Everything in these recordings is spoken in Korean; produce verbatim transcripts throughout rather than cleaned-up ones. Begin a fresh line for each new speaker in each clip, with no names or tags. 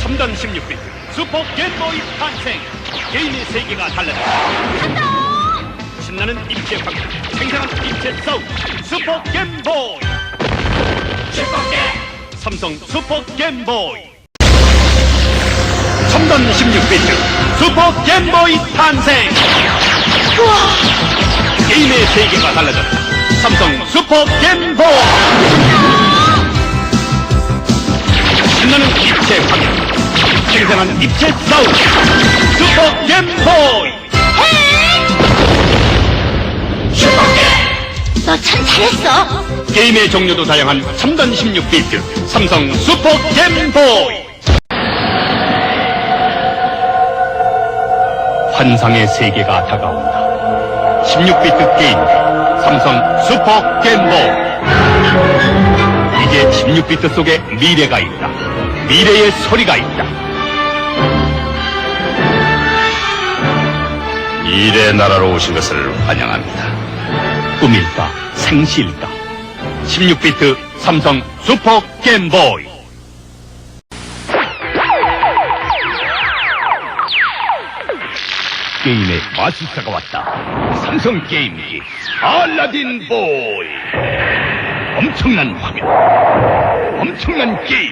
첨단 십육 비트 슈퍼 겜보이 탄생. 게임의 세계가 달라졌다. 신나는 입체 광고, 생생한 입체 사운드. 슈퍼 겜보이. 슈퍼 겜. 삼성 슈퍼 겜보이. 첨단 십육 비트 슈퍼 겜보이 탄생. 우와. 게임의 세계가 달라졌다. 삼성 슈퍼 겜보이. 신나는 입체 광고, 생생한 입체 사운드. 슈퍼 겜보이.
슈퍼겜! 너 참 잘했어.
게임의 종류도 다양한 첨단 십육 비트 삼성 슈퍼 겜보이. 환상의 세계가 다가온다. 십육 비트 게임기 삼성 슈퍼 겜보이. 이제 십육 비트 속에 미래가 있다. 미래의 소리가 있다. 미래 나라로 오신 것을 환영합니다. 꿈일까 생시일까? 십육 비트 삼성 슈퍼 겜보이. 게임의 마술사가 왔다. 삼성 게임기 알라딘 보이. 엄청난 화면, 엄청난 게임.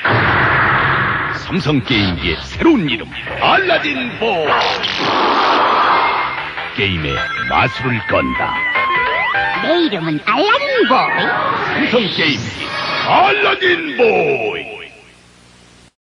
삼성 게임기의 새로운 이름 알라딘 보이. 게임에 마술을 건다.
내 이름은 알라딘 보이.
삼성 게임기 알라딘 보이.